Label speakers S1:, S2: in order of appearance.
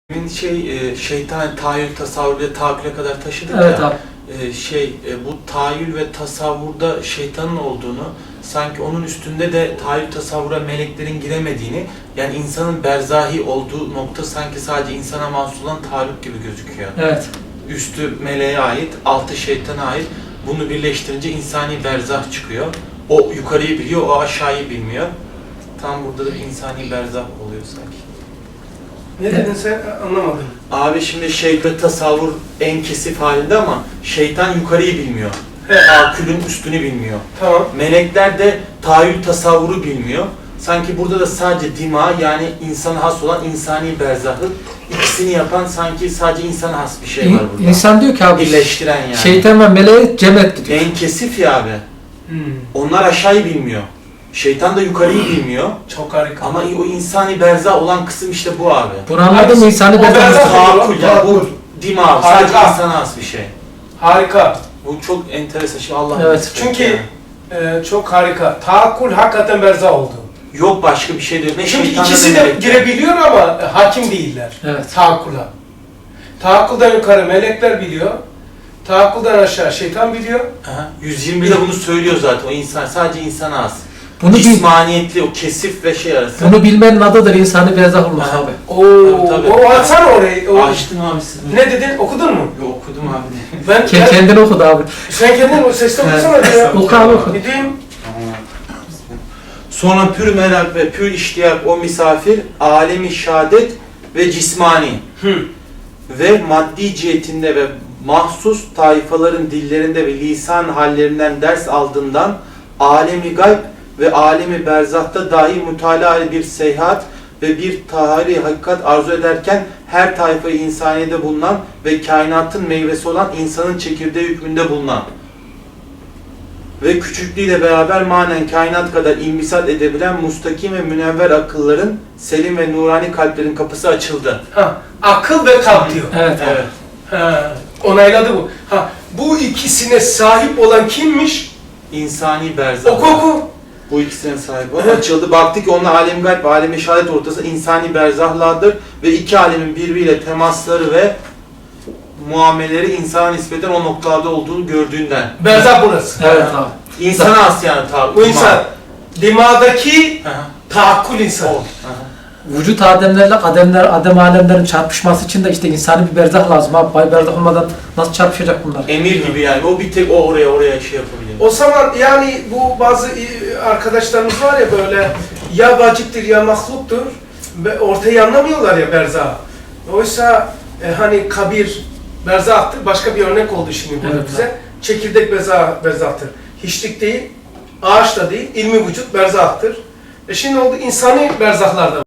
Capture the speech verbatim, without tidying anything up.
S1: Şey, şeytan tahayyül tasavvur ve tahakküle kadar taşıdık
S2: evet,
S1: ya.
S2: Abi.
S1: Şey, bu tahayyül ve tasavvurda şeytanın olduğunu, sanki onun üstünde de tahayyül tasavvura meleklerin giremediğini, yani insanın berzahi olduğu nokta sanki sadece insana mahsus olan tahayyül gibi gözüküyor.
S2: Evet.
S1: Üstü meleğe ait, altı şeytana ait. Bunu birleştirince insani berzah çıkıyor. O yukarıyı biliyor, o aşağıyı bilmiyor. Tam burada da bir insani berzah oluyor sanki.
S3: Ne dedin sen? Anlamadım.
S1: Abi şimdi şeytan tasavvur en kesif halinde ama şeytan yukarıyı bilmiyor.
S3: Evet.
S1: Tahakkülün üstünü bilmiyor.
S3: Tamam.
S1: Melekler de tahayyül tasavvuru bilmiyor. Sanki burada da sadece dima, yani insana has olan insani berzahı, ikisini yapan sanki sadece insana has bir şey var burada.
S2: İnsan diyor ki abi,
S1: birleştiren yani.
S2: şeytan ve meleği cem etti diyor.
S1: En kesif ya abi.
S3: Hmm.
S1: Onlar aşağıyı bilmiyor. Şeytan da yukarıyı bilmiyor.
S3: Çok harika.
S1: Ama o insani berzah olan kısım işte bu abi.
S2: Bunu anladın mı? İnsani
S3: O
S2: berzah.
S3: berzah-
S1: Tahakkül ya, bu dima abi. Sadece
S3: Harika.
S1: insana has bir şey.
S3: Harika.
S1: Bu çok enteresan. Şimdi Allah
S2: Evet.
S1: nasip
S3: Çünkü
S1: etti
S3: e, çok harika. Tahakkül hakikaten berzah oldu.
S1: yani. Yok başka bir şey değil. Ne
S3: Çünkü
S1: şeytanla
S3: ikisi
S1: ne
S3: de
S1: melekler.
S3: girebiliyor ama e, hakim değiller.
S2: Evet.
S3: Tahakkula. Tahakkülden yukarı melekler biliyor. Tahakkülden aşağı şeytan biliyor.
S1: Aha, yüz yirmi birde bunu söylüyor zaten. O insan sadece insana has.
S2: Bunu bil,
S1: Cismaniyetli o kesif ve şey arası.
S2: bunu bilmenin adıdır insani berzah olmak
S1: Aha.
S2: abi.
S3: Oo,
S1: Tabii, tabii.
S3: o açsana orayı. O,
S1: Açtım abi siz.
S3: ne dedin? Okudun mu?
S1: Yo, okudum abi.
S3: Ben,
S2: Ke-
S3: ben
S2: Kendini okudu abi.
S3: sen kendin o sesle okusana diyor ya.
S2: Oku abi, oku.
S3: Gideyim.
S1: Sonra pür merak ve pür iştiyak o misafir, alemi şadet ve cismani
S3: Hı.
S1: ve maddi cihetinde ve mahsus taifaların dillerinde ve lisan hallerinden ders aldığından alemi gayb ve alemi berzahta dahi mütalaa bir seyahat ve bir tahari hakikat arzu ederken her tayfayı insaniyede bulunan ve kainatın meyvesi olan insanın çekirdeği hükmünde bulunan ve küçüklüğüyle beraber manen kainat kadar inbisat edebilen mustakim ve münevver akılların, selim ve nurani kalplerin kapısı açıldı.
S3: Ha, akıl ve kalp diyor.
S2: Evet.
S1: Evet.
S3: Ha, onayladı bu. Ha, bu ikisine sahip olan kimmiş?
S1: İnsani berzah.
S3: Oku oku.
S1: Bu ikisinin sahibi o. Açıldı. Baktı ki onlar alem gayb ve alem şehadet ortası insani berzahlardır ve iki alemin birbiriyle temasları ve muamelleri insana nispeten o noktalarda olduğunu gördüğünden.
S3: Berzah burası.
S2: Evet abi.
S1: İnsana has yani tabi.
S3: Bu insan dimadaki
S1: Aha.
S3: tahakkül insanı.
S1: O. Aha.
S2: Vücut ademlerle ademler, adem alemlerin çarpışması için de işte insani bir berzah lazım abi. Bay berzah olmadan nasıl çarpışacak bunlar?
S1: Emir gibi yani. O bir tek o oraya oraya şey yapabilir.
S3: O zaman yani bu bazı e, arkadaşlarımız var ya böyle ya vaciptir ya mahluktur ve ortayı anlamıyorlar ya berzah. Oysa e, hani kabir berzahtır. Başka bir örnek oldu şimdi burada
S2: Evet,
S3: bize. Çekirdek berzah, berzahtır. Hiçlik değil, ağaç da değil, ilmi vücut berzahtır. E şimdi oldu insani berzahlarda.